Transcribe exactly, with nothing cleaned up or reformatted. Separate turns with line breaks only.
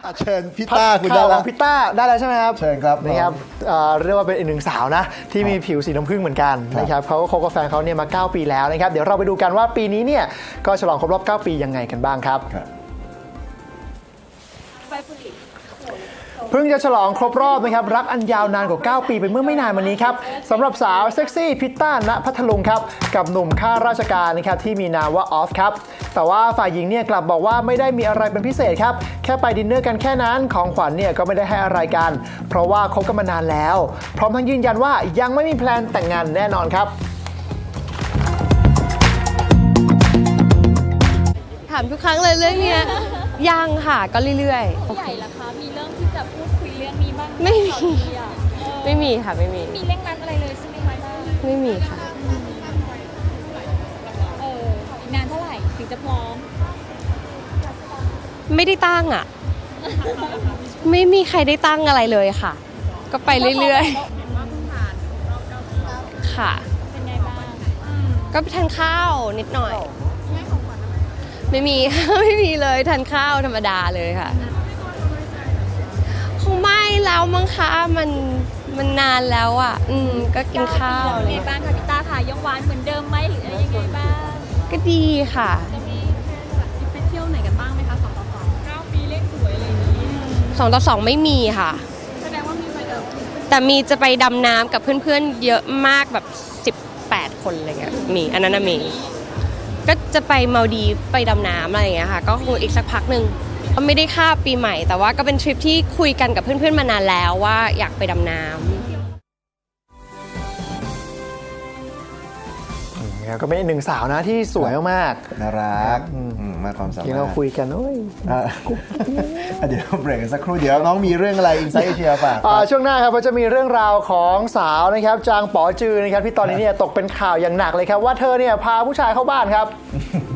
เชิญพี่ต้าคุณได้แล้ว
พี่ต้าได้แล้วใช่ไหมครับ
เชิญครับ
นะครับเอ่อเรียกว่าเป็นอีกหนึ่งสาวนะที่มีผิวสีน้ำผึ้งเหมือนกันนะครับเขาก็คบกับแฟนเขาเนี่ยมาเก้าปีแล้วนะครับเดี๋ยวเราไปดูกันว่าปีนี้เนี่ยก็ฉลองครบรอบเก้าปียังไงกันบ้างครับเพิ่งจะฉลองครบรอบนะครับรักอันยาวนานกว่าเก้าปีไปเมื่อไม่นานมานี้ครับสำหรับสาวเซ็กซี่พิตต้าณพัทลุงครับกับหนุ่มข้าราชการนะครับที่มีนามว่าออฟครับแต่ว่าฝ่ายหญิงเนี่ยกลับบอกว่าไม่ได้มีอะไรเป็นพิเศษครับแค่ไปดินเนอร์กันแค่นั้นของขวัญเนี่ยก็ไม่ได้ให้อะไรกันเพราะว่าคบกันมานานแล้วพร้อมทั้งยืนยันว่ายังไม่มีแพลนแต่งงานแน่นอนครับ
ถามทุกครั้งเลยเรื่องเนี้ยยังค่ะก็เรื่อยๆ
ผู้ใหญ่ล่ะคะมีเริ่มที่จะพูดคุยเรื่องนี้บ้าง
ไม่มี
ข่าวดีอะเออ
ไม่มีค่ะไม่มี
มีเร่งรัดอะไรเลยใช่ไหมคะบ้าง
ไม่มีค่ะ
เอออีกนานเท่าไหร่ถึงจะพร้อม
ไม่ได้ตั้งอ่ะ ไม่มีใครได้ตั้งอะไรเลยค่ะ ก็ไปเรื่อยๆค่ะ
เป็นไงบ้างอืม
ก็ไปทานข้าวนิดหน่อย ไม่มี ไม่มีเลยทานข้าวธรรมดาเลยค่ะคงไม่แล้วมั้งคะมันมันนานแล้วอ่ะ อืมก็กินข้าว
เป็น
อะไร
ไง
เงี้ย
บ้างคะพี่ต้าค่ะยังหวานเหมือนเดิมไหมหรืออะไรยังไงบ้าง
ก็ดีค่ะ
จะมีไปเที่ยวไหนกันบ้างไหมคะสองต่อสองเก้าปีเลขสวยอะไรอย่างนี้
สองต่อสองไม่มีค่ะ
แสดงว่ามีไปเดิม
แต่มีจะไปดำน้ำกับเพื่อนๆเยอะมากแบบสิบแปดคนอะไรเงี้ยมีอันนั้นนะมีก็จะไปมาดีฟไปดำน้ำอะไรอย่างเงี้ยค่ะก็คงอีกสักพักหนึ่งก็ไม่ได้ข้ามปีใหม่แต่ว่าก็เป็นทริปที่คุยกันกับเพื่อนๆมานานแล้วว่าอยากไปดำน้ำ
ก็เป็นอีกหนึ่งสาวนะที่สวยมาก
น่ารักอืมมากความสา
ๆ
มารถ
ที่เราคุยกันโอ้ย
อ่ะเดี๋ยวเบรกกันสักครู่เดี๋ยวน้องมีเรื่องอะไรอินไซต์เอเชียฝาก
อ่าช่วงหน้าครับก็จะมีเรื่องราวของสาวนะครับจางป๋อจือนะครับที่ตอนนี้เนี่ยตกเป็นข่าวอย่างหนักเลยครับว่าเธอเนี่ยพาผู้ชายเข้าบ้านครับ